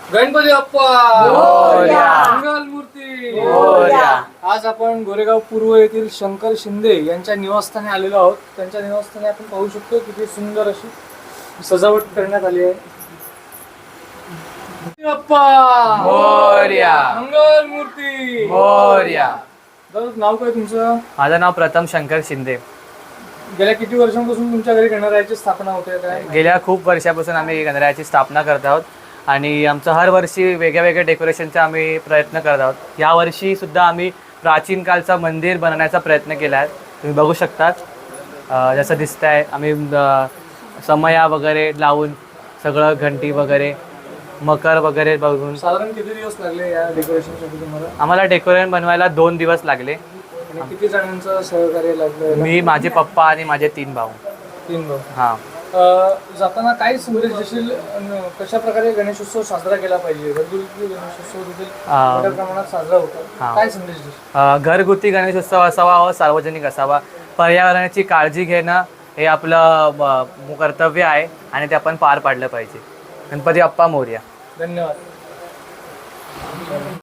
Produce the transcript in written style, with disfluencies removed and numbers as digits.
गणपती बाप्पा मोरया. मंगलमूर्ती मोरया. आज आपण गोरेगाव पूर्व येथील शंकर शिंदे यांच्या निवासस्थानी आलेलो आहोत. त्यांच्या निवासस्थानी आपण पाहू शकतो किती सुंदर अशी सजावट करण्यात आली आहे. गणपती बाप्पा मोरया. मंगलमूर्ती मोरया. दादा, नाव काय तुमचं? माझं नाव प्रथम शंकर शिंदे. गेल्या किती वर्षांपासून तुमच्या घरी गणरायाची स्थापना होते काय? गेल्या खूप वर्षापासून आम्ही गणरायाची स्थापना करत आहोत आणि आमचं हर वर्षी वेगळ्या वेगळ्या डेकोरेशनचा आम्ही प्रयत्न करत आहोत. यावर्षी सुद्धा आम्ही प्राचीन कालचा मंदिर बनवण्याचा प्रयत्न केला आहे. तुम्ही बघू शकता जसं दिसतं आहे. आम्ही समया वगैरे लावून सगळं घंटी वगैरे मकर वगैरे बघून साधारण किती दिवस लागले या डेकोरेशनसाठी तुम्हाला? आम्हाला डेकोरेशन बनवायला 2 दिवस लागले. आणि किती जणांचं सहकार्य लागलं? मी, माझे पप्पा आणि माझे 3 भाऊ. 3 भाऊ. हां. जाताना काय संदेश देशील? कशा प्रकारे गणेशोत्सव साजरा केला पाहिजे? घरगुती गणेशोत्सव देखील मोठ्या प्रमाणात साजरा होतो. काय संदेश देशील? घरगुती गणेशोत्सव असावा व सार्वजनिक असावा. पर्यावरणाची काळजी घेणं हे आपलं कर्तव्य आहे आणि ते आपण पार पाडलं पाहिजे. गणपती बाप्पा मोरया. धन्यवाद.